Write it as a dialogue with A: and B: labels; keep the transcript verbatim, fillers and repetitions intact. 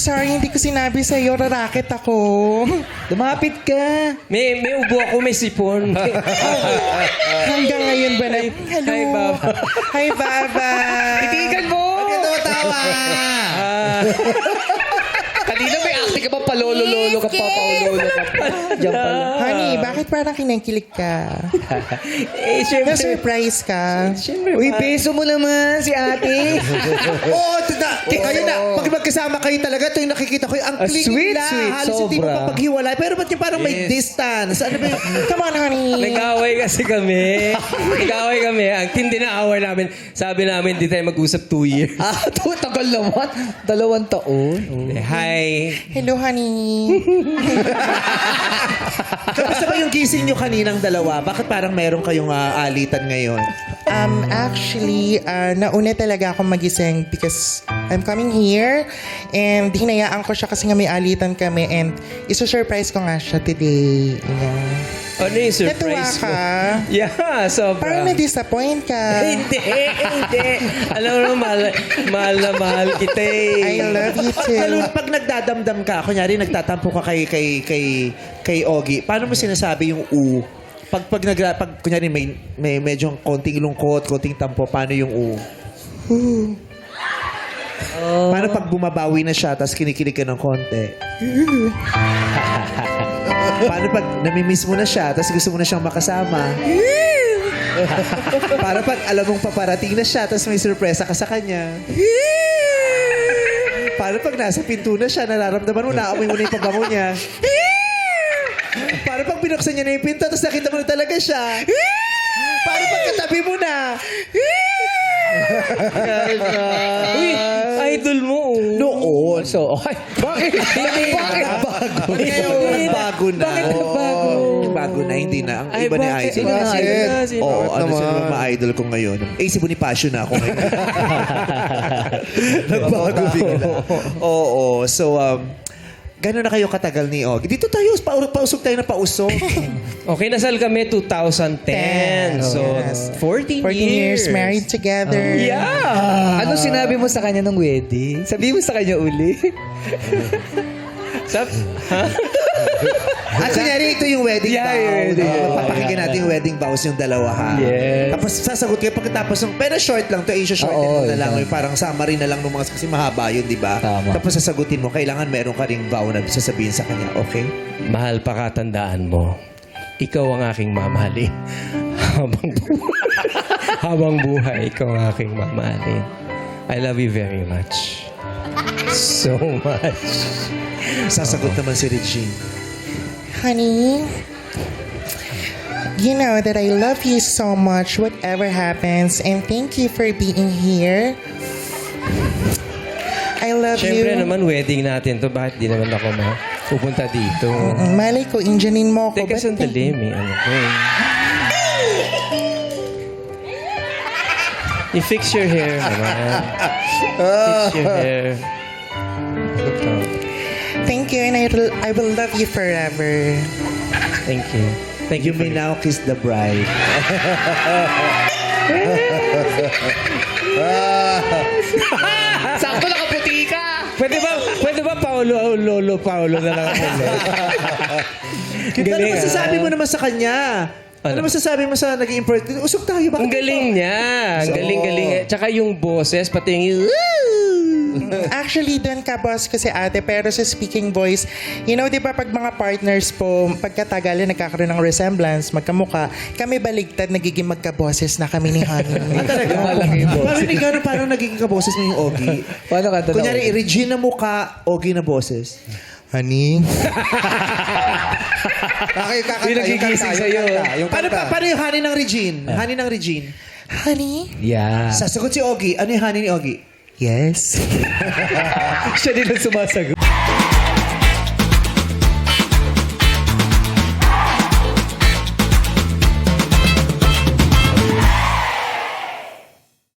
A: sorry, hindi ko sinabi sa'yo. Rarakit ako.
B: Lumapit ka.
C: May, may ubo ako, may sipon.
A: Hanggang ngayon ba na... Hello.
C: Hi, Baba.
A: Hi, Baba.
B: Titigan mo.
D: Bakit tawa?
B: Kanina may acting ka pa, palolo-lolo ka pa, paulolo ka pa. Diyan pala.
A: Honey, bakit parang kinikilig ka?
C: eh, syempre.
A: Na-surprise ka?
C: Syempre,
B: Uy,
C: ma-
B: beso mo naman si ate.
D: Oo, tina, kayo na. Pag magkasama kayo talaga, ito yung nakikita ko. Ang
B: Ah,
D: clingy
B: sweet,
D: nila.
B: sweet,
D: Halos hindi mo
B: sobra.
D: mapaghiwalay. Pero ba't yung parang may
C: Yes.
D: distance? Ano ba yung...
A: Come on, honey.
C: Nag-away kasi kami. Nag-away kami. Ang tindi na away namin. Sabi namin, di tayo mag-usap two years.
B: Ah, to, tagal naman. Dalawang taon.
C: Eh, Hi.
A: Hello, honey.
D: Kamusta ba yung gising nyo kaninang dalawa? Bakit parang meron kayong ah, alitan ngayon?
A: Um, actually, uh, nauna talaga akong magising because I'm coming here and hinayaan ko siya kasi nga may alitan kami and iso-surprise ko nga siya today. Yeah.
C: Ano yung
A: Natuwa
C: surprise mo?
A: ka?
C: Yeah, sobra.
A: Parang na-disappoint ka.
C: Hindi, hindi. Alam mo, mahal, mahal na mahal kita eh.
A: I love you
D: Lalo
A: too.
D: na pag nagdadamdam ka, kunyari nagtatampo ka kay kay kay kay Ogie, paano mo sinasabi yung u? Pag pag nag pag kunyari may may medyo konting lungkot, konting tampo, paano yung u? Paano pag bumabawi na siya tapos kinikilig ka ng konti? Paano pag namimiss mo na siya tapos gusto mo na siyang makasama? Para pag alam mong paparating na siya tapos may sorpresa ka sa kanya? Paano pag nasa pinto na siya, nararamdaman mo, naamoy mo na yung pabango niya? Paano pag binuksan niya na yung pinto tapos nakita mo na talaga siya? Paano pag katabi mo na?
C: Uy, idol mo. oh.
D: Noon.
B: So, okay. Bakit? Bakit bago?
D: Ngayon, bago na.
B: Bakit bago?
D: Bago na, hindi na. Ang
C: Ay,
D: iba na
C: bakit?
D: idol.
C: Sino na? Sino na? Sino?
D: Oo,
C: Bakit
D: ano
C: naman?
D: sila mga idol ko ngayon? Eh, si Bonifacio na ako ngayon. Nagbago bigla. Oo, so, um, gano'n na kayo katagal ni Og? Dito tayo, pa pausog tayo na pausog.
C: Okay, nasal kami two thousand ten. So,
A: Yes.
C: fourteen,
A: fourteen years married together.
C: Yeah.
B: Ano sinabi mo sa kanya nung wedding? Sabi mo sa kanya uli?
C: Sab ha?
D: At kunyari, ito yung wedding
B: Yeah,
D: vows.
B: yung wedding
D: Oo,
B: vows.
D: papakinggan natin yung wedding vows yung dalawa, ha?
B: Yes.
D: Tapos sasagot kayo pagkatapos ng... Pero short lang to, eh, short
B: Oo,
D: mo na lang.
B: yeah.
D: Yung parang summary na lang ng mga... Kasi mahaba yun, di ba?
B: Tama.
D: Tapos sasagutin mo, kailangan meron ka ring vow na sasabihin sa kanya, okay?
C: Mahal pa katandaan mo. Ikaw ang aking mamahalin. Habang buhay. Habang buhay, ikaw ang aking mamahalin. I love you very much. So much.
D: Sasagot naman si Regine.
A: Honey, you know that I love you so much, whatever happens, and thank you for being here. I love
C: Siyempre
A: you.
C: naman, wedding natin to. Bakit di naman ako ma pupunta dito?
A: Mm, Malay ko, Indianin mo ako.
C: Teka,
A: Ba't
C: sandali. May ano ko eh. I-fix your hair naman. Fix your hair. Ito.
A: Thank you, and I, I will love you forever.
C: Thank you. Thank you.
D: You may now kiss the bride.
B: Sakto nakaputi ka!
C: Pwede ba, pwede ba Paolo, Lolo, Paolo na lang ako?
D: Ano
C: Galing,
D: masasabi
C: ah.
D: mo naman sa kanya? Ano,
C: Ano?
D: masasabi mo sa naging important? Usog tayo, bakit?
C: Ang galing niya. Ang
D: So-
C: galing-galing. Tsaka yung boses, pati yung...
A: Actually, doon ka, boss, kasi ate, pero sa speaking voice, you know, di ba pag mga partners po, pagkatagal nagkakaroon ng resemblance, magkamuka, kami baligtad, nagiging magkaboses na kami ni Honey.
D: Talaga?
B: Malaki yung boses.
D: Parang hindi gano'n parang nagiging kaboses mo yung Ogie.
B: Paano ka tanong?
D: Kunyari, Regine na mukha, Ogie na boses.
A: Honey?
D: Okay, kakanta.
B: Yung nagigising sa'yo.
D: Yung paano, pa, paano yung honey ng Regine? Honey ng Regine.
A: Honey?
B: Yeah.
D: Sasagot si Ogie. Ano yung honey ni Ogie?
A: Yes.
B: Siya din ang sumasagot.